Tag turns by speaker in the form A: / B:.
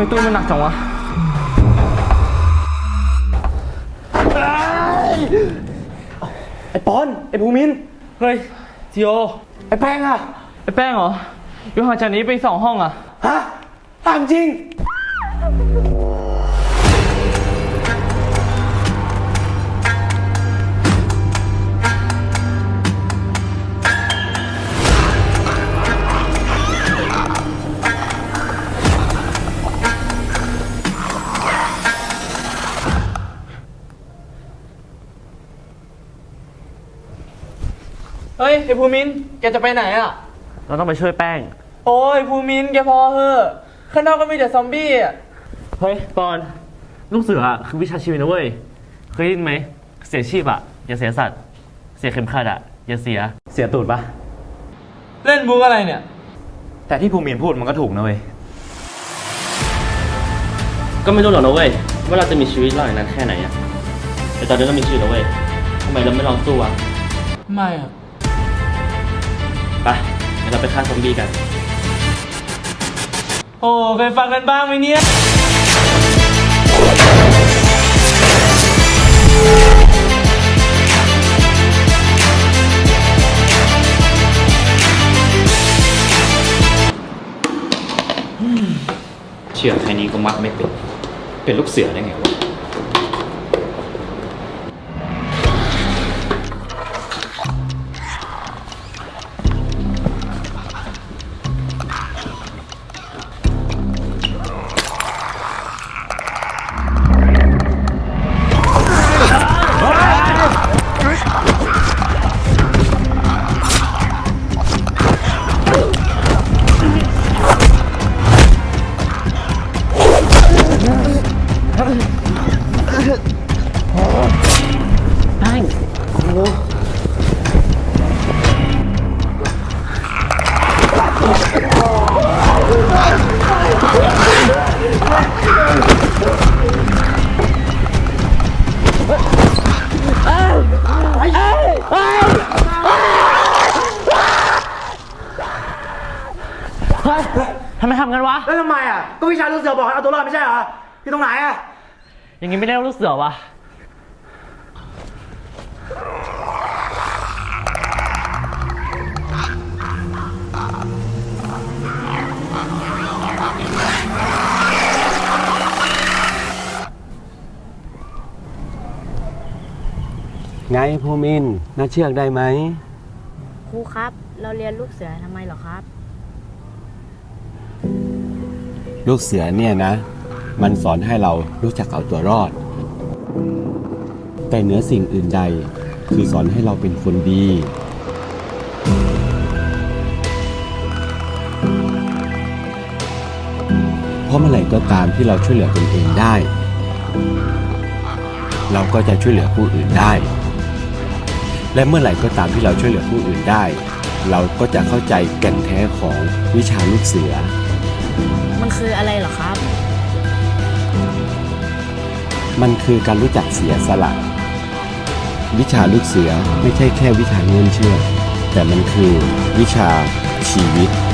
A: มตู้มันหนักจังวะ
B: ไอ้ปอนไอ้ภูมิน
A: เฮ้ยจิโอ
B: ไอ้แป้งอะ
A: ไอ้แป้งเหรออยู่ห่างจากนี้ไป2 ห้องอะ
B: ฮะตามจริง
A: เฮ้ยไอ้ภูมินแกจะไปไหนอะ
C: เราต้องไปช่วยแป้ง
A: โอ้ยภูมินแกพอเหอะข้างนอกก็มีแต่ซอมบี้อะ
C: เฮ้ยปอนลูกเสือคือวิชาชีวิตนะเว้ยเคยได้ยินไหมเสียชีพอย่าเสียสัตว์เสียเข็มขัดอย่าเสียตูดปะ
A: เล่นบุ๊กอะไรเนี่ย
B: แต่ที่ภูมินพูดมันก็ถูกนะเว้ย
C: ก็ไม่รู้หรอกนะเว้ยว่าเราจะมีชีวิตรอดอย่างนั้นแค่ไหนแต่ตอนนี้ก็มีชีวิตแล้วเว้ยทำไมเราไม่ลองสู้
A: ไม่อะ
C: ไปงั้นเราไปฆ่าซอมบี้กัน
A: โอ้เคยฟังกันบ้างไหมเนี่ย
D: เชื่อแค่นี้ก็มัดไม่เป็นลูกเสือได้ไงวะ
C: ทำไมทำกันวะ
B: แล้วทำไมอะก็วิชาลูกเสือบอกให้เอาตัวรอดไม่ใช่เหรอที่ตรงไหนอะ
C: อย่างงี้ไม่ได้ลูกเสือวะ
E: ไงภูมินน่าเชือกได้ไหม
F: ครูครับเราเรียนลูกเสือทำไมเหรอครับ
E: ลูกเสือเนี่ยนะมันสอนให้เรารู้จักเอาตัวรอดแต่เหนือสิ่งอื่นใดคือสอนให้เราเป็นคนดีเพราะเมื่อไหร่ก็ตามที่เราช่วยเหลือตนเองได้เราก็จะช่วยเหลือผู้อื่นได้และเมื่อไหร่ก็ตามที่เราช่วยเหลือผู้อื่นได้เราก็จะเข้าใจแก่นแท้ของวิชาลูกเสือ
F: มันคืออะไรเหรอครับ
E: มันคือการรู้จักเสียสละวิชาลูกเสือไม่ใช่แค่วิชาเงื่อนเชื่อแต่มันคือวิชาชีวิต